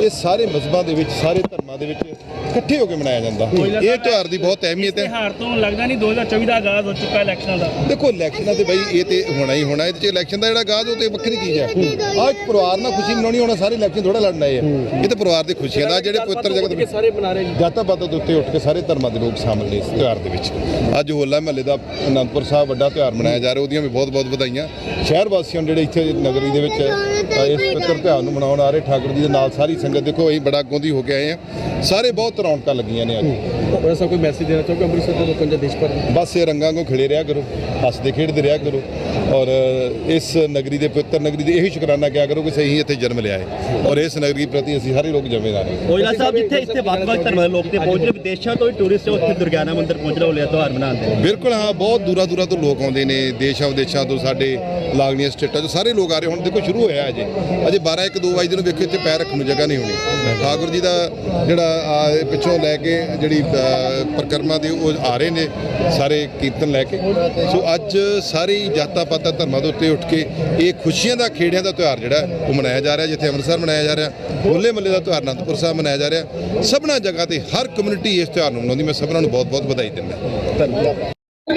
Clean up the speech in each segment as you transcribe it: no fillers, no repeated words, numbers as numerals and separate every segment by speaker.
Speaker 1: ਇਹ ਸਾਰੇ ਮਜ਼ਹਬਾਂ ਦੇ ਵਿੱਚ, ਸਾਰੇ ਧਰਮਾਂ ਦੇ ਵਿੱਚ ਇਕੱਠੇ ਹੋ ਕੇ ਮਨਾਇਆ ਜਾਂਦਾ। ਇਹ ਤਿਉਹਾਰ ਦੀ ਬਹੁਤ ਅਹਿਮੀਅਤ ਹੈ।
Speaker 2: ਤਿਉਹਾਰ ਤੋਂ ਲੱਗਦਾ ਨਹੀਂ 2024 ਦਾ ਆਗਾਜ਼ ਹੋ ਚੁੱਕਾ ਇਲੈਕਸ਼ਨਾਂ ਦਾ।
Speaker 1: ਦੇਖੋ ਇਲੈਕਸ਼ਨਾਂ ਤੇ ਬਈ ਇਹ ਤੇ ਹੋਣਾ ਹੀ ਹੋਣਾ। ਇਹਦੇ 'ਚ ਇਲੈਕਸ਼ਨ ਦਾ ਜਿਹੜਾ ਆਗਾਜ਼ ਉਹ ਤੇ ਵੱਖਰੀ ਚੀਜ਼ ਹੈ। ਆਹ ਇੱਕ ਪਰਿਵਾਰ ਨਾਲ ਖੁਸ਼ੀ ਮਨਾਉਣੀ, ਹੋਣਾ ਸਾਰੇ ਇਲੈਕਸ਼ਨ ਥੋੜਾ ਲੜਨ ਆਏ ਆ। ਇਹ ਤਾਂ ਪਰਿਵਾਰ ਦੀ ਖੁਸ਼ੀਆਂ ਦਾ ਜਿਹੜੇ ਪਵਿੱਤਰ ਜਗਤ ਦੇ
Speaker 2: ਸਾਰੇ ਬਣਾ ਰਹੇ
Speaker 1: ਜਾਤਾਂ ਪਾਤਾਂ ਦੇ ਉੱਤੇ ਉੱਠ ਕੇ ਸਾਰੇ ਧਰਮਾਂ ਦੇ ਲੋਕ ਸ਼ਾਮਲ ਨੇ ਇਸ ਤਿਉਹਾਰ ਦੇ ਵਿੱਚ। ਅੱਜ ਹੋਲਾ ਮਹੱਲੇ ਦਾ ਅਨੰਦਪੁਰ ਸਾਹਿਬ ਵੱਡਾ ਤਿਉਹਾਰ ਮਨਾਇਆ ਜਾ ਰਿਹਾ, ਉਹਦੀਆਂ ਵੀ ਬਹੁਤ ਬਹੁਤ ਵਧਾਈਆਂ ਸ਼ਹਿਰ ਵਾਸੀਆਂ ਨੂੰ ਜਿਹੜੇ ਇੱਥੇ ਨਗਰੀ ਦੇ ਵਿੱਚ ਇਸ ਪਵਿੱਤਰ ਤਿਉਹਾਰ ਨੂੰ ਮਨਾਉਣ ਆ ਰਹੇ। ਠਾਕੁਰ ਜੀ ਦੇ ਨਾਲ ਸਾਰੀ ਸੰਗਤ ਦੇਖੋ ਅਸੀਂ ਬੜਾ ਅੱਗੋਂ ਦੀ ਹੋ ਕੇ ਆਏ ਆ, ਸਾਰੇ ਬਹੁਤ ਰੌਣਕਾਂ ਲੱਗੀਆਂ ਨੇ ਅੱਜ।
Speaker 3: ਐਸਾ ਕੋਈ ਮੈਸੇਜ ਦੇਣਾ ਚਾਹੋਗੇ ਅੰਮ੍ਰਿਤਸਰ ਦੇ ਲੋਕਾਂ ਨੂੰ, ਦੇਸ਼ ਭਰ ਨੂੰ?
Speaker 1: ਬਸ ਇਹ ਰੰਗਾਂ ਨੂੰ ਖਿੜੇ ਰਿਹਾ ਕਰੋ, ਹੱਸਦੇ ਖੇਡਦੇ ਰਿਹਾ ਕਰੋ, ਔਰ ਇਸ ਨਗਰੀ ਦੇ ਪਵਿੱਤਰ ਨਗਰੀ ਦੇ ਇਹੀ ਸ਼ੁਕਰਾਨਾ ਕਿਹਾ ਕਰੋ ਕਿ ਅਸੀਂ ਇੱਥੇ ਜਨਮ ਲਿਆ ਹੈ, ਔਰ ਇਸ ਨਗਰੀ ਪ੍ਰਤੀ ਅਸੀਂ ਸਾਰੇ ਲੋਕ ਜ਼ਿੰਮੇਵਾਰ ਹਾਂ।
Speaker 4: ਔਜਲਾ ਸਾਹਿਬ ਜਿੱਥੇ ਇੱਥੇ ਵੱਖ-ਵੱਖ ਧਰਮਾਂ ਦੇ ਲੋਕ ਤੇ ਪਹੁੰਚ ਰਹੇ, ਵਿਦੇਸ਼ਾਂ ਤੋਂ ਵੀ ਟੂਰਿਸਟ ਉੱਥੇ ਦੁਰਗਿਆਨਾ ਮੰਦਿਰ ਪਹੁੰਚ ਰਹੇ ਹੋਲੇ ਤਿਉਹਾਰ ਮਨਾਉਂਦੇ।
Speaker 1: ਬਿਲਕੁਲ ਹਾਂ, ਬਹੁਤ ਦੂਰਾਂ ਦੂਰਾਂ ਤੋਂ ਲੋਕ ਆਉਂਦੇ ਨੇ, ਦੇਸ਼ਾਂ ਵਿਦੇਸ਼ਾਂ ਤੋਂ, ਸਾਡੇ ਲਾਗਲੀਆਂ ਸਟੇਟਾਂ ਤੋਂ ਸਾਰੇ ਲੋਕ ਆ ਰਹੇ। ਹੁਣ ਦੇਖੋ ਸ਼ੁਰੂ ਹੋਇਆ ਅਜੇ 12 1 2 ਵਜੇ ਨੂੰ ਵੇਖੋ ਇੱਥੇ ਪੈਰ ਰੱਖਣ ਨੂੰ ਜਗ੍ਹਾ ਨਹੀਂ ਹੋਣੀ। ਠਾਕੁਰ ਜੀ ਦਾ ਜਿਹੜਾ ਪਿੱਛੋਂ ਲੈ ਕੇ ਜਿਹੜੀ ਪਰਿਕਰਮਾ ਦੇ ਉਹ ਆ ਰਹੇ ਨੇ ਸਾਰੇ ਕੀਰਤਨ ਲੈ ਕੇ। ਸੋ ਅੱਜ ਸਾਰੀ ਜਾਤਾਂ ਪਾਤਾਂ ਧਰਮਾਂ ਦੇ ਉੱਤੇ ਉੱਠ ਕੇ ਇਹ ਖੁਸ਼ੀਆਂ ਦਾ, ਖੇੜਿਆਂ ਦਾ ਤਿਉਹਾਰ ਜਿਹੜਾ ਉਹ ਮਨਾਇਆ ਜਾ ਰਿਹਾ। ਜਿੱਥੇ ਅੰਮ੍ਰਿਤਸਰ ਮਨਾਇਆ ਜਾ ਰਿਹਾ, ਹੋਲੇ ਮਹੱਲੇ ਦਾ ਤਿਉਹਾਰ ਅਨੰਦਪੁਰ ਸਾਹਿਬ ਮਨਾਇਆ ਜਾ ਰਿਹਾ। ਸਭਨਾ ਜਗ੍ਹਾ ਤੇ ਹਰ ਕਮਿਊਨਿਟੀ ਇਸ ਤਿਉਹਾਰ ਨੂੰ ਮਨਾਉਂਦੀ। ਮੈਂ ਸਭਨਾਂ ਨੂੰ ਬਹੁਤ ਬਹੁਤ ਵਧਾਈ ਦਿੰਦਾ। ਧੰਨਵਾਦ।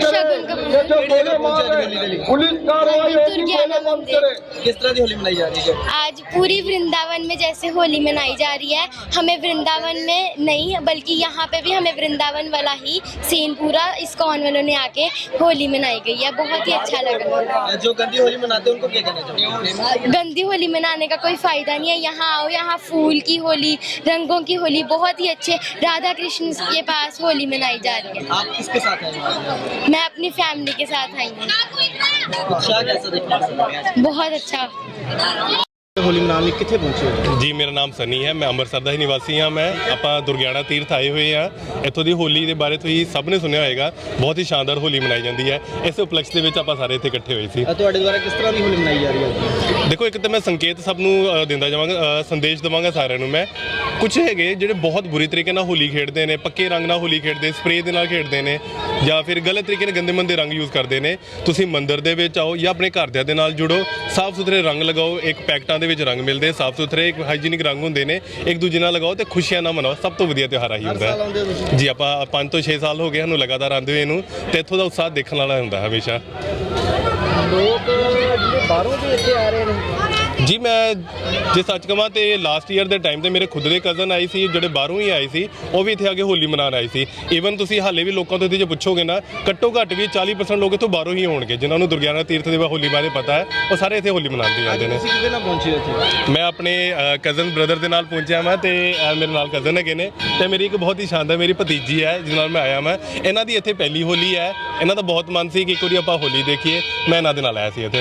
Speaker 3: किस तरह की होली मनाई जा रही है?
Speaker 5: आज पूरी वृंदावन में जैसे होली मनाई जा रही है, हमें वृंदावन में नहीं बल्कि यहाँ पे भी हमें वृंदावन वाला ही सीन पूरा इस्कॉन वालों ने आके होली मनाई गई है। बहुत ही अच्छा लगा।
Speaker 3: जो गंदी होली मनाते हैं उनको क्या कहना चाहिए?
Speaker 5: गंदी होली मनाने का कोई फायदा नहीं है। यहाँ आओ, यहाँ फूल की होली, रंगों की होली, बहुत ही अच्छे राधा कृष्ण के पास होली मनाई जा रही है।
Speaker 3: आप किसके साथ हैं?
Speaker 5: मैं अपनी फैमिली के साथ आई हूँ।
Speaker 3: उत्साह कैसा देखने को मिला?
Speaker 5: बहुत अच्छा।
Speaker 4: ਹੋਲੀ ਮਨਾਉਣ ਲਈ ਕਿੱਥੇ ਪਹੁੰਚੇ ਹੋ?
Speaker 6: ਜੀ ਮੇਰਾ ਨਾਮ ਸਨੀ ਹੈ, ਮੈਂ ਅੰਮ੍ਰਿਤਸਰ ਦਾ ਹੀ ਨਿਵਾਸੀ ਹਾਂ। ਆਪਾਂ ਦੁਰਗਿਆਣਾ ਤੀਰਥ ਆਏ ਹੋਏ ਹਾਂ। ਇੱਥੋਂ ਦੀ ਹੋਲੀ ਦੇ ਬਾਰੇ ਤੁਸੀਂ ਸਭ ਨੇ ਸੁਣਿਆ ਹੋਏਗਾ, ਬਹੁਤ ਹੀ ਸ਼ਾਨਦਾਰ ਹੋਲੀ ਮਨਾਈ ਜਾਂਦੀ ਹੈ। ਇਸ ਉਪਲਕਸ਼ ਦੇ ਵਿੱਚ ਆਪਾਂ ਸਾਰੇ ਇੱਥੇ ਇਕੱਠੇ ਹੋਏ ਸੀ।
Speaker 3: ਤੁਹਾਡੇ ਦੁਆਰਾ ਕਿਸ ਤਰ੍ਹਾਂ ਦੀ ਹੋਲੀ ਮਨਾਈ ਜਾ ਰਹੀ ਹੈ?
Speaker 6: ਦੇਖੋ ਇੱਕ ਤਾਂ ਮੈਂ ਸੰਕੇਤ ਸਭ ਨੂੰ ਦਿੰਦਾ ਜਾਵਾਂਗਾ, ਸੰਦੇਸ਼ ਦੇਵਾਂਗਾ ਸਾਰਿਆਂ ਨੂੰ। ਮੈਂ ਕੁਝ ਹੈਗੇ ਜਿਹੜੇ ਬਹੁਤ ਬੁਰੀ ਤਰੀਕੇ ਨਾਲ ਹੋਲੀ ਖੇਡਦੇ ਨੇ, ਪੱਕੇ ਰੰਗ ਨਾਲ ਹੋਲੀ ਖੇਡਦੇ, ਸਪਰੇਅ ਦੇ ਨਾਲ ਖੇਡਦੇ ਨੇ, ਜਾਂ ਫਿਰ ਗਲਤ ਤਰੀਕੇ ਨਾਲ ਗੰਦੇ ਮੰਦੇ ਰੰਗ ਯੂਜ਼ ਕਰਦੇ ਨੇ। ਤੁਸੀਂ ਮੰਦਿਰ ਦੇ ਵਿੱਚ ਆਓ ਜਾਂ ਆਪਣੇ ਘਰਦਿਆਂ ਦੇ ਨਾਲ ਜੁੜੋ, ਸਾਫ਼ ਸੁਥਰੇ ਰੰਗ ਲਗਾਓ। ਇੱਕ ਪੈਕਟਾਂ ਦੇ ਵਿੱਚ ਰੰਗ ਮਿਲਦੇ, ਸਾਫ਼ ਸੁਥਰੇ ਇੱਕ ਹਾਈਜੀਨਿਕ ਰੰਗ ਹੁੰਦੇ ਨੇ, ਇੱਕ ਦੂਜੇ ਨਾਲ ਲਗਾਓ ਤੇ ਖੁਸ਼ੀਆਂ ਨਾਲ ਮਨਾਓ। ਸਭ ਤੋਂ ਵਧੀਆ ਤਿਉਹਾਰ ਆਹੀ ਹੁੰਦਾ ਹੈ ਜੀ। ਆਪਾਂ 5 ਤੋਂ 6 ਸਾਲ ਹੋ ਗਏ ਸਾਨੂੰ ਲਗਾਤਾਰ ਆਉਂਦੇ ਹੋਏ ਨੂੰ, ਤੇ ਇੱਥੋਂ ਦਾ ਉਤਸ਼ਾਹ ਦੇਖਣ ਵਾਲਾ ਹੁੰਦਾ ਹਮੇਸ਼ਾ।
Speaker 3: ਲੋਕ ਜਿਹੜੇ ਬਾਹਰੋਂ ਵੀ ਇੱਥੇ ਆ ਰਹੇ ਨੇ
Speaker 6: ਜੀ ਮੈਂ ਜੇ ਸੱਚ ਕਹਾਂ ਤੇ ਲਾਸਟ ਈਅਰ ਦੇ ਟਾਈਮ ਤੇ ਮੇਰੇ ਖੁਦ ਦੇ ਕਜ਼ਨ ਆਈ ਸੀ, ਜਿਹੜੇ ਬਾਹਰੋਂ ਹੀ ਆਏ ਸੀ, ਉਹ ਵੀ ਇੱਥੇ ਆ ਕੇ ਹੋਲੀ ਮਨਾਉਣ ਆਏ ਸੀ। ਈਵਨ ਤੁਸੀਂ ਹਾਲੇ ਵੀ ਲੋਕਾਂ ਤੋਂ ਇੱਥੇ ਜੇ ਪੁੱਛੋਗੇ ਨਾ, ਘੱਟੋ ਘੱਟ ਵੀ 40% ਲੋਕ ਇੱਥੋਂ ਬਾਹਰੋਂ ਹੀ ਹੋਣਗੇ ਜਿਨ੍ਹਾਂ ਨੂੰ ਦੁਰਗਿਆਨਾ ਤੀਰਥ ਦੇ ਹੋਲੀ ਬਾਰੇ ਪਤਾ ਹੈ। ਉਹ ਸਾਰੇ ਇੱਥੇ ਹੋਲੀ ਮਨਾਉਂਦੇ ਜਾਂਦੇ ਨੇ।
Speaker 3: ਤੁਸੀਂ ਕਿਹਦੇ ਨਾਲ ਪਹੁੰਚੇ ਇੱਥੇ?
Speaker 6: ਮੈਂ ਆਪਣੇ ਕਜ਼ਨ ਬ੍ਰਦਰ ਦੇ ਨਾਲ ਪਹੁੰਚਿਆ ਮੈਂ, ਤੇ ਮੇਰੇ ਨਾਲ ਕਜ਼ਨ ਹੈਗੇ ਨੇ, ਤੇ ਮੇਰੀ ਇੱਕ ਬਹੁਤ ਹੀ ਸ਼ਾਨਦਾਰ ਮੇਰੀ ਭਤੀਜੀ ਹੈ ਜਿਸ ਨਾਲ ਮੈਂ ਆਇਆ ਮੈਂ। ਇਹਨਾਂ ਦੀ ਇੱਥੇ ਪਹਿਲੀ ਹੋਲੀ ਹੈ। ਇਹਨਾਂ ਦਾ ਬਹੁਤ ਮਨ ਸੀ ਕਿ ਇੱਕ ਵਾਰੀ ਆਪਾਂ ਹੋਲੀ ਦੇਖੀਏ। ਮੈਂ ਇਹਨਾਂ ਦੇ ਨਾਲ ਆਇਆ ਸੀ ਇੱਥੇ।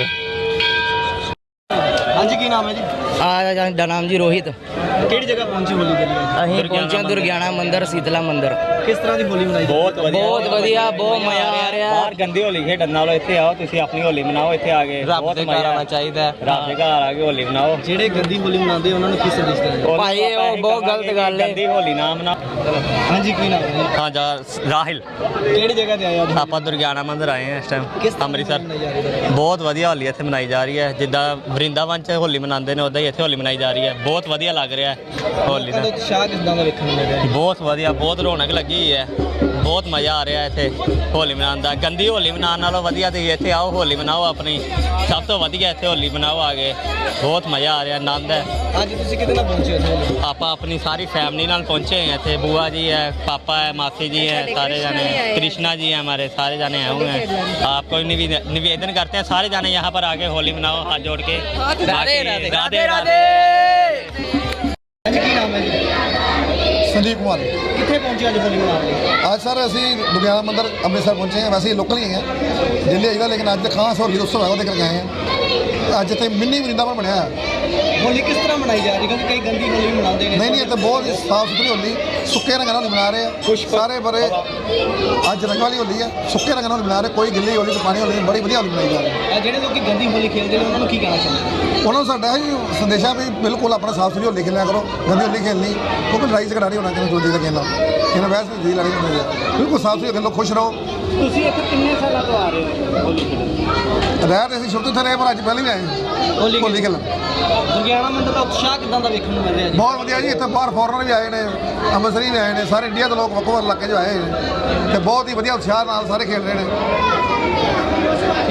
Speaker 3: ਹਾਂਜੀ, ਕੀ ਨਾਮ ਹੈ ਜੀ?
Speaker 7: ਦਾ ਨਾਮ ਜੀ ਰੋਹਿਤ।
Speaker 3: ਕਿਹੜੀ ਜਗ੍ਹਾ ਪਹੁੰਚੇ ਹੋਲੀ ਦੇ ਲਈ?
Speaker 7: ਅਸੀਂ ਪਹੁੰਚੇ ਦੁਰਗਿਆਣਾ ਮੰਦਿਰ, ਸ਼ੀਤਲਾ ਮੰਦਿਰ।
Speaker 3: ਕਿਸ ਤਰ੍ਹਾਂ ਦੀ ਹੋਲੀ ਮਨਾਈ?
Speaker 7: ਬਹੁਤ ਵਧੀਆ, ਬਹੁਤ ਮਜ਼ਾ ਆ ਰਿਹਾ।
Speaker 4: ਬਾਹਰ ਗੰਦੀ ਹੋਲੀ ਖੇਡਣ ਨਾਲੋਂ ਇੱਥੇ ਆਓ, ਤੁਸੀਂ ਆਪਣੀ ਹੋਲੀ ਮਨਾਓ। ਇੱਥੇ ਆ ਕੇ ਬਹੁਤ ਮਜ਼ਾ ਆਉਣਾ ਚਾਹੀਦਾ। ਰੱਬ ਦੇ ਘਰ ਆ ਕੇ ਹੋਲੀ ਮਨਾਓ।
Speaker 3: ਜਿਹੜੇ ਗੰਦੀ ਹੋਲੀ ਮਨਾਉਂਦੇ ਉਹਨਾਂ ਨੂੰ ਕੀ ਸੰਦੇਸ਼ ਦੇਣਾ?
Speaker 7: ਭਾਈ ਉਹ ਬਹੁਤ ਗਲਤ ਗੱਲ ਹੈ।
Speaker 4: ਗੰਦੀ ਹੋਲੀ ਨਾ ਮਨਾਓ।
Speaker 3: ਹਾਂਜੀ, ਕੀ ਨਾਮ ਹੈ?
Speaker 4: ਹਾਂ ਰਾਹਿਲ।
Speaker 3: ਕਿਹੜੀ ਜਗ੍ਹਾ ਤੇ ਆਏ ਹੋ?
Speaker 4: ਆਪਾਂ ਦੁਰਗਿਆਣਾ ਮੰਦਿਰ ਆਏ ਹਾਂ ਇਸ ਟਾਈਮ ਅੰਮ੍ਰਿਤਸਰ।
Speaker 3: ਮਨਾਈ ਜਾ ਰਹੀ ਹੈ?
Speaker 4: ਬਹੁਤ ਵਧੀਆ ਹੋਲੀ ਇੱਥੇ ਮਨਾਈ ਜਾ ਰਹੀ ਹੈ। ਜਿੱਦਾਂ ਵਰਿੰਦਾਵਨ 'ਚ ਹੋਲੀ ਮਨਾਉਂਦੇ ਨੇ ਉੱਦਾਂ ਹੀ ਇੱਥੇ ਹੋਲੀ ਮਨਾਈ ਜਾ ਰਹੀ ਹੈ। ਬਹੁਤ ਵਧੀਆ ਲੱਗ ਰਿਹਾ ਹੈ ਹੋਲੀ ਦਾ।
Speaker 3: ਉਤਸ਼ਾਹ ਕਿਸ ਤਰ੍ਹਾਂ ਦਾ ਵੇਖਣ ਨੂੰ ਮਿਲ ਰਿਹਾ?
Speaker 4: ਬਹੁਤ ਵਧੀਆ, ਬਹੁਤ ਰੌਣਕ ਲੱਗੀ ਹੋਈ ਹੈ। ਬਹੁਤ ਮਜ਼ਾ ਆ ਰਿਹਾ ਇੱਥੇ ਹੋਲੀ ਮਨਾਉਣ ਦਾ। ਗੰਦੀ ਹੋਲੀ ਮਨਾਉਣ ਨਾਲੋਂ ਵਧੀਆ ਤੁਸੀਂ ਇੱਥੇ ਆਓ, ਹੋਲੀ ਮਨਾਓ ਆਪਣੀ। ਸਭ ਤੋਂ ਵਧੀਆ ਇੱਥੇ ਹੋਲੀ ਮਨਾਓ ਆ ਕੇ। ਬਹੁਤ ਮਜ਼ਾ ਆ ਰਿਹਾ, ਆਨੰਦ ਹੈ।
Speaker 3: ਅੱਜ ਤੁਸੀਂ ਕਿਹਦੇ ਨਾਲ ਪਹੁੰਚੇ ਇੱਥੇ?
Speaker 4: ਆਪਾਂ ਆਪਣੀ ਸਾਰੀ फैमिली नाल पहुँचे हैं इतने। बुआ जी है, पापा है, मासी जी हैं, सारे जाने कृष्णा जी हैं, हमारे सारे जाने आए हुए हैं। आपको निवेदन करते हैं सारे जाने यहाँ पर आके होली मनाओ हाथ जोड़ के। राधे राधे।
Speaker 3: ਕੀ ਨਾਮ ਹੈ ਜੀ?
Speaker 8: संदीप कुमार।
Speaker 3: ਕਿੱਥੇ ਪਹੁੰਚੇ ਅੱਜ ਹੋਲੀ ਮਨਾਉਣ ਲਈ?
Speaker 8: आज सर असी दुर्गियाना मंदिर अमृतसर पहुँचे हैं। वैसे ही लोकल ही हैं, दिल्ली आईदा, लेकिन अज खास होली उत्सव है वो देख के आए हैं। अज इतने मिनी वृंदावन बनया।
Speaker 3: होली किस तरह मनाई जा रही है? क्योंकि कई गंदी होली भी मनाते हैं।
Speaker 8: नहीं इतने बहुत साफ सुथरी होली, सुक्के रंगों नाल मना रहे हैं सारे बड़े। अज रंग वाली होली है, सुक्के रंगों नाल मना रहे। कोई गिल्ली होली तो पानी होली, बड़ी वधिया होली मनाई जा रही है।
Speaker 3: ਜਿਹੜੇ ਲੋਕੀ ਗੰਦੀ ਹੋਲੀ ਖੇਡਦੇ ਨੇ ਉਹਨਾਂ ਨੂੰ ਕੀ ਕਹਿਣਾ ਚਾਹੁੰਦੇ?
Speaker 8: ਉਹਨਾਂ ਨੂੰ ਸਾਡਾ ਹੀ ਸੰਦੇਸ਼ਾ ਵੀ ਬਿਲਕੁਲ ਆਪਣਾ ਸਾਫ ਸੁਥਰੀ ਹੋਲੀ ਖੇਲਿਆ ਕਰੋ, ਗੰਦੀ ਹੋਲੀ ਖੇਲਣੀ ਕਿਉਂਕਿ ਲੜਾਈ ਝਗੜਾ ਨਹੀਂ ਹੋਣਾ ਕਿਸੇ ਦੂਜੇ ਦਾ ਖੇਲਣਾ। ਇਹਨਾਂ ਵੈਸੇ ਦੀ ਲੜਾਈ ਹੁੰਦੀ ਹੈ। ਬਿਲਕੁਲ ਸਾਫ ਸੁਥਰੀ ਖੇਲੋ, ਖੁਸ਼ ਰਹੋ।
Speaker 2: ਤੁਸੀਂ ਇੱਥੇ ਕਿੰਨੇ ਸਾਲਾਂ ਤੋਂ ਆ ਰਹੇ ਹੋ ਹੋਲੀ ਖੇਡਣ?
Speaker 8: ਰਹਿ ਰਹੇ ਅਸੀਂ ਸ਼ੁਰੂ ਤੋਂ ਇੱਥੇ ਰਹੇ, ਪਰ ਅੱਜ ਪਹਿਲਾਂ ਹੀ ਆਏ ਹੋਲੀ ਖੇਲਣ।
Speaker 3: ਦੁਰਗਿਆਣਾ ਮੰਦਿਰ ਦਾ ਉਤਸ਼ਾਹ ਕਿਦਾਂ ਦਾ ਵੇਖਣ ਨੂੰ ਮਿਲ ਰਿਹਾ ਜੀ?
Speaker 8: ਬਹੁਤ ਵਧੀਆ ਜੀ, ਇੱਥੇ ਬਾਹਰ ਫੋਰਨਰ ਵੀ ਆਏ ਨੇ, ਅੰਮ੍ਰਿਤਸਰੀ ਵੀ ਆਏ ਨੇ, ਸਾਰੇ ਇੰਡੀਆ ਦੇ ਲੋਕ ਵੱਖ ਵੱਖ ਇਲਾਕੇ 'ਚੋਂ ਆਏ ਨੇ ਤੇ ਬਹੁਤ ਹੀ ਵਧੀਆ ਉਤਸ਼ਾਹ ਨਾਲ ਸਾਰੇ ਖੇਡ ਰਹੇ ਨੇ।